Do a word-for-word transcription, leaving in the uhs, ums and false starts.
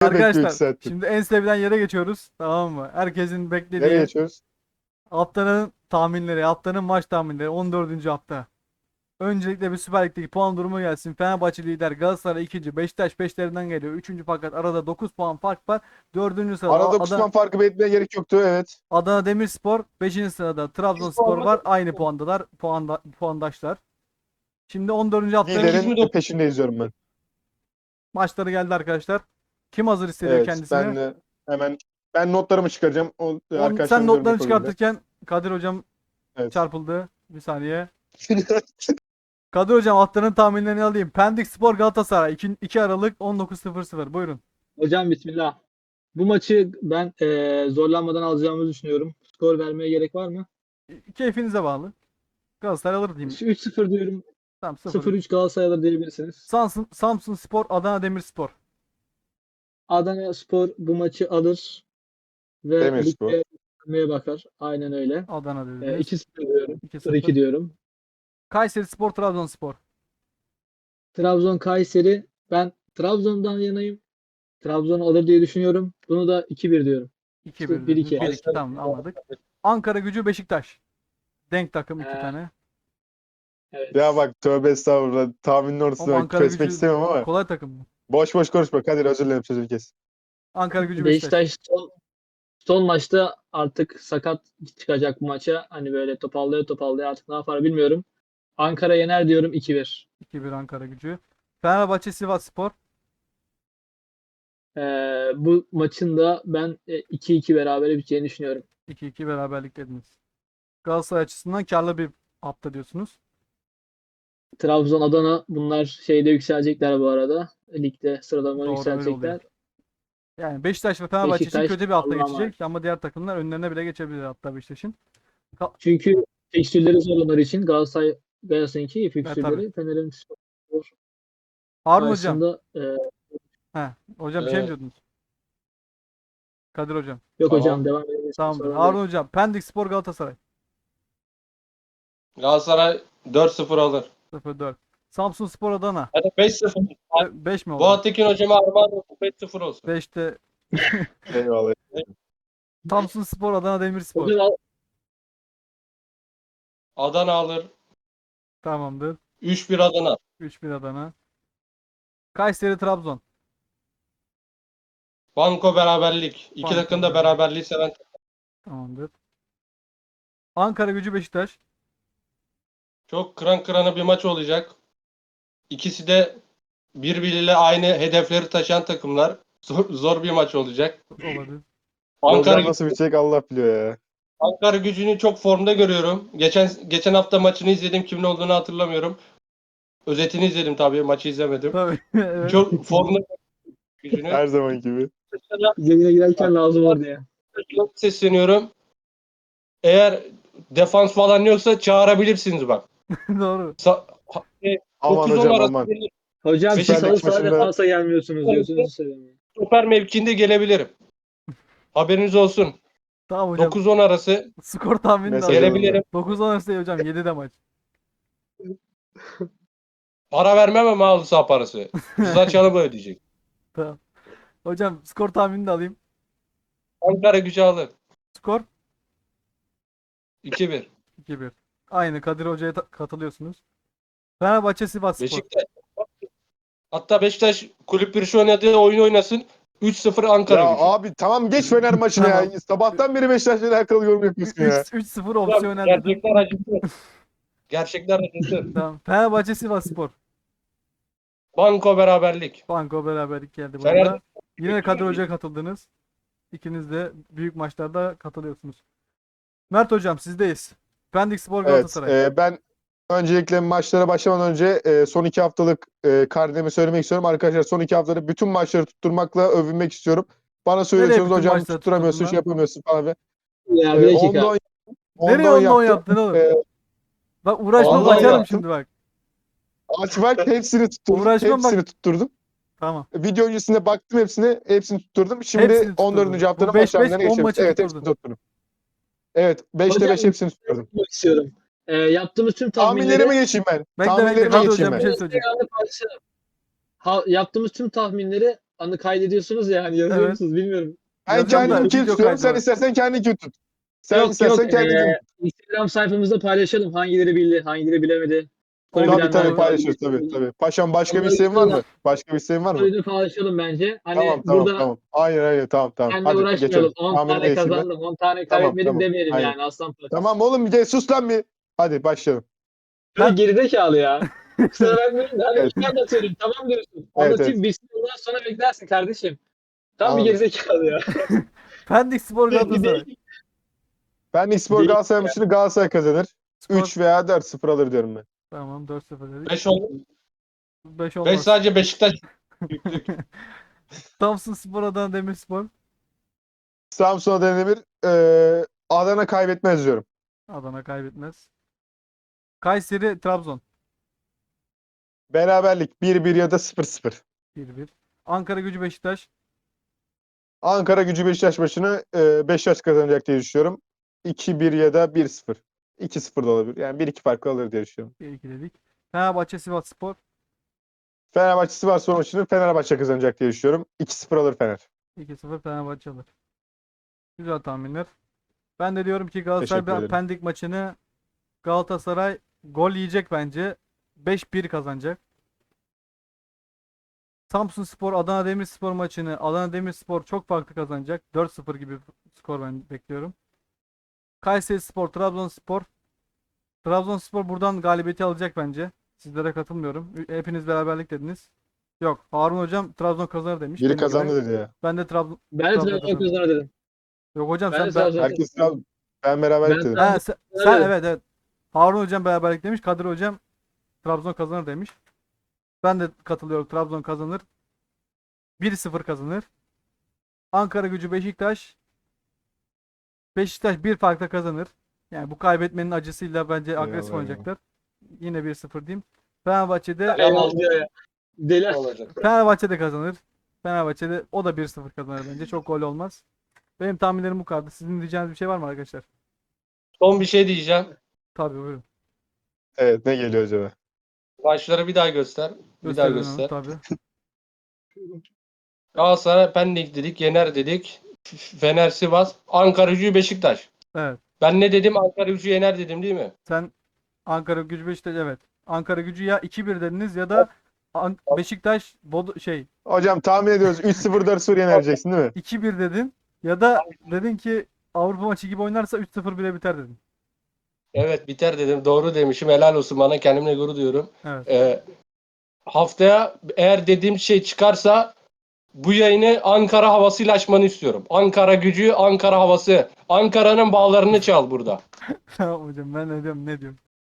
bekliyor iki Arkadaşlar saattir. şimdi en sevilen yere geçiyoruz. Tamam mı? Herkesin Nereye beklediği geçiyoruz? haftanın tahminleri, haftanın maç tahminleri on dördüncü hafta. Öncelikle bir Süper Lig'deki puan durumu gelsin. Fenerbahçe lider, Galatasaray ikinci, Beşiktaş peşlerinden geliyor. Üçüncü fakat arada dokuz puan fark var. Dördüncü sırada Arada Adana, dokuz farkı belirtmeye gerek yoktu. Evet. Adana Demirspor. Beşinci sırada Trabzonspor var. Aynı puandalar. Puanda, puandaşlar. Şimdi on dördüncü haftanın Liderin peşinde izliyorum ben. maçları geldi arkadaşlar. Kim hazır hissediyor Evet. kendisini? Ben de hemen ben notlarımı çıkaracağım. O On, sen arkadaşlarım notlarını yorum yapabilirler. çıkartırken Kadir hocam Evet. çarpıldı. Bir saniye. Kadir hocam haftanın tahminlerini alayım. Pendik Spor Galatasaray iki Aralık on dokuz sıfır sıfır. Buyurun. Hocam bismillah. Bu maçı ben eee, zorlanmadan alacağımızı düşünüyorum. Skor vermeye gerek var mı? Keyfinize bağlı. Galatasaray alır diyeyim. Şu üç sıfır diyorum. Tamam sıfır. sıfır üç Galatasaray alır diyebilirsiniz. Samsun, Samsun Spor Adana Demirspor. Adana Spor bu maçı alır ve Demirspor. ligde yükselmeye bakar. Aynen öyle. Adana Eee, dediniz. iki sıfır diyorum. iki sıfır iki sıfır. diyorum. Kayseri Spor Trabzonspor. Trabzon Kayseri. Ben Trabzon'dan yanayım. Trabzon alır diye düşünüyorum. Bunu da iki bir diyorum. iki bir. bir iki. bir iki tamam anladık. Ankara Gücü Beşiktaş. Denk takım iki Ee, tane. Evet. Ya bak tövbe estağfurullah. Tahminin Ama ortasına Ankara kesmek Gücü istemiyorum ama. kolay takım mı? Boş boş konuşma. Kadir özür dilerim sözünü kes. Ankara Gücü Beşiktaş. Beşiktaş son, son maçta artık sakat çıkacak bu maça. Hani böyle topallaya topallaya artık ne yapar bilmiyorum. Ankara yener diyorum iki bir. iki bir Ankara Gücü. Fenerbahçe Sivas Spor. Ee, bu maçın da ben e, iki iki berabere biteceğini düşünüyorum. iki iki beraberlik dediniz. Galatasaray açısından karlı bir hafta diyorsunuz. Trabzon, Adana bunlar şeyde yükselecekler bu arada. Ligde sıralama Doğru, öyle yükselecekler. Yani Beşiktaş ve Fenerbahçe için Beşiktaş kötü bir hafta Allah'a geçecek ama diğer takımlar önlerine bile geçebilir hatta Beşiktaş'ın. Çünkü fikstürleri zor onlar için. Galatasaray Galatasaray'ınki tabii. fikstürleri Fener'in Spor Harun hocam. karşısında e, He, hocam bir şey mi Evet. diyordunuz? Kadir hocam. yok Tamam. hocam devam edebilirsiniz. Tamamdır. Sorun Harun değil. hocam. Pendik Spor Galatasaray. Galatasaray dört sıfır alır. sıfır dört. Samsun Spor Adana. Hadi beş sıfır. beş mi oldu? Bu Tekin hocama armağan olsun. beş sıfır olsun. beşte Eyvallah. Samsun Spor Adana Demirspor. Hocam al- Adana alır. Tamamdır. üç bir Adana. üç bir Adana. Kayseri Trabzon. Banko beraberlik. İki Banko takım da beraberlik. beraberliği seven. Tamamdır. Ankara Gücü Beşiktaş. Çok kıran kırana bir maç olacak. İkisi de birbiriyle aynı hedefleri taşıyan takımlar. Zor, zor bir maç olacak. Olabilir. Ankara, Program nasıl bitecek Allah biliyor ya. Ankara Gücü'nü çok formda görüyorum. Geçen geçen hafta maçını izledim. Kimin olduğunu hatırlamıyorum. Özetini izledim tabii. Maçı izlemedim. Tabii. Evet. Çok formda Gücü'nü. Her zaman gibi. yayına girerken lazım var diye. Çok sesleniyorum. Eğer defans falan yoksa çağırabilirsiniz bak. Doğru. Sa- ha- e, Aman dokuz on hocam arası aman. gelir. Hocam siz Süper halı Lig saha maçında- defansa gelmiyorsunuz diyorsunuz. Söyleyeyim. Stoper mevkinde gelebilirim. Haberiniz olsun. Tamam hocam. dokuz on arası Skor tahmini de Mesaj alalım. alındı. gelebilirim. dokuz on arası değil hocam. yedide maç. Para vermem ama halı saha parası. Rıza Çalım'ı ödeyecek. Tamam. Hocam skor tahmini de alayım. Ankara Gücü alır. Skor iki bir. iki bir. Aynı Kadir Hoca'ya ta- katılıyorsunuz. Fenerbahçe Sivas Spor. Beşiktaş. Hatta Beşiktaş kulüp bir şu oynadığı oyun oynasın. üç sıfır Ankara Ya Gücü. abi tamam geç Fener maçını Tamam. ya. Sabahtan beri Beşiktaş'la alakalı yorum yapıyorsun ya. üç sıfır Hocam, opsiyonel dedim. Gerçekler acıtır. Gerçekler acıtır. Tamam. Fenerbahçe Sivas Spor. Banko beraberlik. Banko beraberlik geldi Fener- burada. Yine Kadir Hoca'ya katıldınız. İkiniz de büyük maçlarda katılıyorsunuz. Mert Hocam sizdeyiz. Pendik Spor Evet, Galatasaray. e, ben öncelikle maçlara başlamadan önce e, son iki haftalık e, karnemi söylemek istiyorum. Arkadaşlar son iki haftada bütün maçları tutturmakla övünmek istiyorum. Bana söylüyorsunuz bütün hocam maçları tutturamıyorsun, tutturdun şey lan? yapamıyorsun falan. Ve, Ya e, bir dakika. onda on, Nereye onda on onunla yaptım. yaptın oğlum? E, Bak uğraşmam Vallahi açarım yaptım. şimdi bak. aç bak hepsini tutturdum. Uğraşmam bak. hepsini tutturdum. Tamı Video öncesinde baktım hepsine, hepsini tutturdum. Şimdi Hepsini tutturdun. on dördüncü haftanın Bu beş maç tahminlerine beş, on geçelim. maçı Evet, tutturdun. hepsini tutturdum. Evet, beşte Hocam- beş hepsini tutturdum. Yapmak istiyorum. Ee, yaptığımız tüm tahminleri Tahminlerime geçeyim ben. Bekle bekle Tahminlerime Kadir geçeyim Hocam ben. bir şey söyleyecek. Ha, yaptığımız tüm tahminleri anı kaydediyorsunuz ya hani yazıyor Evet. musunuz bilmiyorum. Ben Yazacağım da kendim video tutuyorum. kaydı Sen var. istersen kendin tut. Sen yok istersen yok kendin ee, tut. Instagram sayfamızda paylaşalım. Hangileri bildi, hangileri bilemedi. Soru Olur, Tabii bilen tabii varsa olur. paylaşırız tabii bilgi- tabii. Paşam başka bir Onları isteğin var videoda, mı? Başka bir isteğin var mı? videoda paylaşalım bence. Hani Tamam tamam burada tamam. Aynen aynen tamam tamam. seninle Hadi geçelim. uğraşmayalım. on Tahmine tane geçeyim ben. kazandım, on tane Tamam kaybetmedim tamam. demeyelim Aynen. yani aslan parçası. Tamam oğlum bir de sus lan bir. Hadi başlayalım. Böyle gerizekalı ya. Kusura bakmayın da hani Evet. bir şey anlatıyorum. Tamam diyorsun. Evet, Anlatayım bilsin ondan sonra beklersin kardeşim. Tam bir Anladım. gerizekalı ya. Pendik Spor Galatasaray. Ben Spor Değil Galatasaray maçını Galatasaray kazanır. Skor üç veya dört sıfır alır diyorum ben. tamam dört sıfır dedik. beş oldu. beş beş olmaz. sadece Beşiktaş. Yüklük. Samsun Spor Adana Demirspor. Samsun'a Demir eee Adana kaybetmez diyorum. Adana kaybetmez. Kayseri Trabzon Beraberlik bir bir ya da sıfır sıfır. bir bir. Ankara Gücü Beşiktaş Ankara Gücü Beşiktaş maçını eee Beşiktaş kazanacak diye düşünüyorum. iki bir ya da bir sıfır. iki sıfır da olabilir. Yani bir iki farklı alır diye düşünüyorum. bir iki dedik. Fenerbahçe Sivas Spor Fenerbahçe Sivas maçını Fenerbahçe kazanacak diye düşünüyorum. iki sıfır alır Fener. iki sıfır Fenerbahçe alır. Güzel tahminler. Ben de diyorum ki Galatasaray Teşekkür ederim. Pendik maçını Galatasaray gol yiyecek bence. beş bir kazanacak. Samsun Spor Adana Demirspor maçını Adana Demirspor çok farklı kazanacak. dört sıfır gibi skor ben bekliyorum. Kayseri Spor Trabzonspor Trabzonspor buradan galibiyeti alacak bence. Sizlere katılmıyorum. Hepiniz beraberlik dediniz. Yok. Harun hocam Trabzon kazanır demiş. Biri benim gibi. kazandı dedi ya. Ben de Trabzon. Ben de Trabzon Trabzon kazanır. kazanır dedim. Yok hocam Ben sen de ben... Trabzon Herkes Trabzon. Ben beraberlik Ben dedim. Trabzon- Ha, sen, Evet. sen evet evet. Harun hocam beraberlik demiş. Kadir hocam Trabzon kazanır demiş. Ben de katılıyorum. Trabzon kazanır. bir sıfır kazanır. Ankara Gücü Beşiktaş. Beşiktaş bir farkla kazanır. Yani bu kaybetmenin acısıyla bence agresif Eyvallah, oynayacaklar. Yine bir sıfır diyeyim. Fenerbahçe'de Eyvallah diyor ya. Deli. olacak. Fenerbahçe de kazanır. Fenerbahçe'de o da bir sıfır kazanır bence. Çok gol olmaz. Benim tahminlerim bu kadar. Sizin diyeceğiniz bir şey var mı arkadaşlar? Son bir şey diyeceğim. Tabii buyurun. Evet ne geliyor acaba? Maçları bir daha göster. Bir daha Gösterin onu, göster. tabii. Galatasaray Pendik dedik. Yener dedik. F- Fener Sivas. Ankara Gücü Beşiktaş. Evet. Ben ne dedim? Ankara Gücü yener dedim değil mi? Sen Ankara Gücü Beşiktaş evet. Ankara Gücü ya iki bir dediniz ya da An- Beşiktaş Bodo şey Hocam tahmin ediyoruz. üç sıfır dört sıfır yenereceksin değil mi? iki bir dedin ya da dedin ki Avrupa maçı gibi oynarsa üç sıfır bile biter dedin. Evet biter dedim. Doğru demişim. Helal olsun bana. Kendimle gurur duyuyorum. Evet. Ee, haftaya eğer dediğim şey çıkarsa bu yayını Ankara havasıyla açmanı istiyorum. Ankara Gücü, Ankara havası. Ankara'nın bağlarını çal burada. Tamam hocam ben ne diyorum ne diyorum.